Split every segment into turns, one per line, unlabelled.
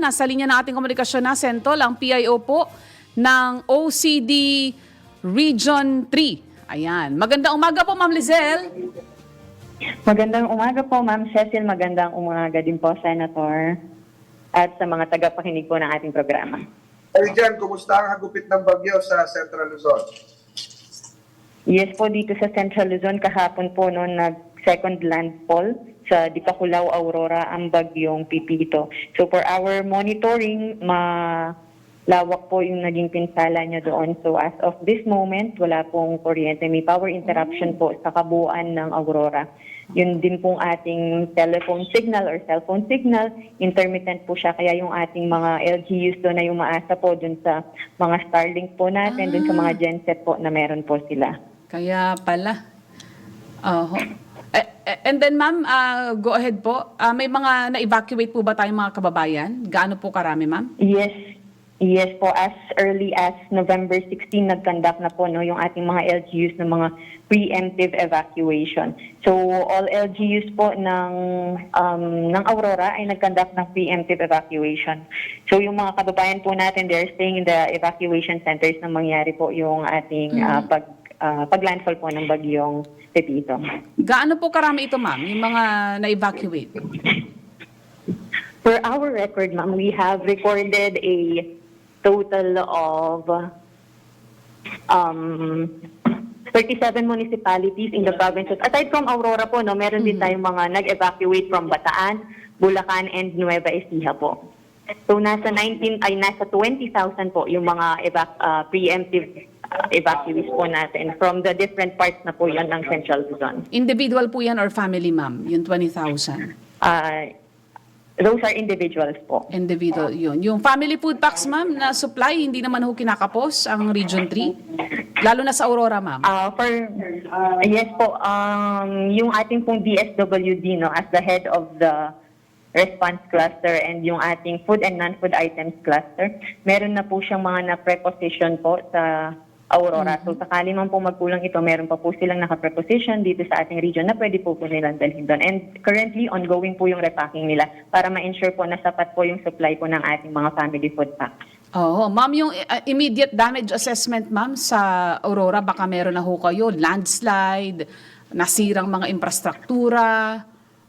nasa linya ng ating komunikasyon na Sentol, ang PIO po ng OCD Region 3. Ayan. Magandang umaga po, Ma'am Lizelle.
Magandang umaga po, Ma'am Cecil. Magandang umaga din po, Senator. At sa mga tagapakinig po ng ating programa.
Ay dyan, kumusta ang hagupit ng bagyo sa Central Luzon?
Yes po, dito sa Central Luzon, kahapon po noon nag-second landfall sa Dipakulaw, Aurora, ang bagyong Pipito. So for our monitoring, malawak po yung naging pinsala niya doon. So as of this moment, wala pong kuryente. May power interruption po sa kabuuan ng Aurora. Yun din pong ating telephone signal or cellphone signal, intermittent po siya. Kaya yung ating mga LGUs doon na umaasa po dun sa mga Starlink po natin, dun sa mga genset po na meron po sila.
Kaya pala. And then, Ma'am, go ahead po. May mga na-evacuate po ba tayong mga kababayan? Gaano po karami, Ma'am?
Yes po, as early as November 16, nag-conduct na po yung ating mga LGUs ng mga preemptive evacuation. So all LGUs po ng Aurora ay nag-conduct ng preemptive evacuation. So yung mga kababayan po natin, they're staying in the evacuation centers na mangyari po yung ating pag-landfall po ng bagyong Pepito.
Gaano po karami ito, Ma'am, yung mga na-evacuate?
For our record, ma'am, we have recorded a total of 37 municipalities in the provinces. Aside from Aurora po, meron din tayong mga nag-evacuate from Bataan, Bulacan, and Nueva Ecija po. So nasa 20,000 po yung mga preemptive evacuees po natin from the different parts na po yan ng Central Luzon.
Individual po yan or family, Ma'am, yung 20,000?
Those are individuals po.
Individual yun. Yung family food packs, Ma'am, na supply, hindi naman ho kinakapos ang Region 3? Lalo na sa Aurora, Ma'am.
Yes po, yung ating pong DSWD, as the head of the response cluster and yung ating food and non-food items cluster, meron na po siyang mga na-preposition po sa Aurora. So sakali man po magkulang ito, meron pa po silang naka-preposition dito sa ating region na pwede po nilang dalhin doon. And currently, ongoing po yung repacking nila para ma-ensure po na sapat po yung supply po ng ating mga family food packs.
Oo. Ma'am, yung immediate damage assessment, Ma'am, sa Aurora, baka meron na ho kayo, landslide, nasirang mga infrastruktura.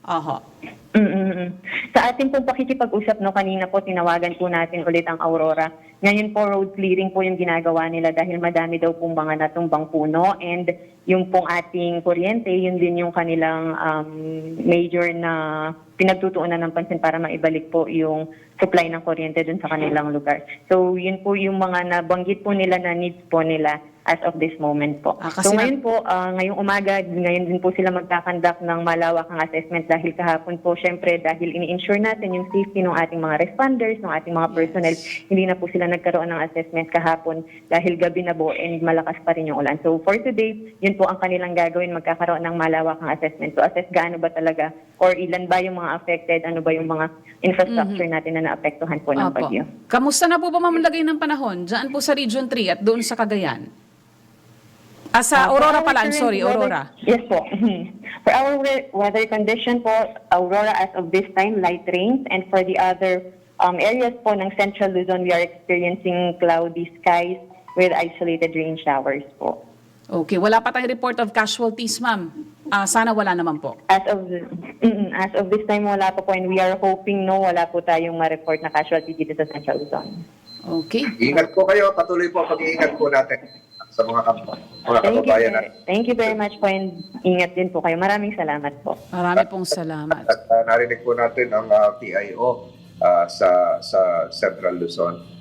Sa ating pong pakikipag-usap kanina po, tinawagan po natin ulit ang Aurora. Ngayon po, road clearing po yung ginagawa nila dahil madami daw pong mga natumbang puno and yung pong ating kuryente, yun din yung kanilang major na pinagtutuunan ng pansin para maibalik po yung supply ng kuryente dun sa kanilang lugar. So yun po yung mga nabanggit po nila na needs po nila as of this moment po. So ngayon po, ngayong umaga, ngayon din po sila magkakandak ng malawakang assessment dahil kahapon po, syempre, dahil ini-ensure natin yung safety ng ating mga responders, ng ating mga personnel, hindi na po sila nagkaroon ng assessment kahapon dahil gabi na po and malakas pa rin yung ulan. So for today, yun po ang kanilang gagawin, magkakaroon ng malawakang assessment. So assess gaano ba talaga or ilan ba yung mga affected, ano ba yung mga infrastructure natin na naapektuhan po ng bagyo.
Kamusta na po ba mamlagay ng panahon dyan po sa Region 3 at doon sa Cagayan? Sa Aurora pala, I'm sorry, Aurora.
Yes po. For our weather condition po, Aurora as of this time, light rains. And for the other areas po ng Central Luzon, we are experiencing cloudy skies with isolated rain showers po.
Okay, wala pa tayong report of casualties, Ma'am. Sana wala naman po.
As of this time, wala po and we are hoping wala po tayong ma-report na casualty dito sa Central Luzon.
Okay.
Ingat po kayo, patuloy po pag-iingat po natin sa mga kababayan natin.
Thank you very much po and ingat din po kayo. Maraming salamat po.
Marami pong salamat.
At narinig po natin ang PIO sa Central Luzon.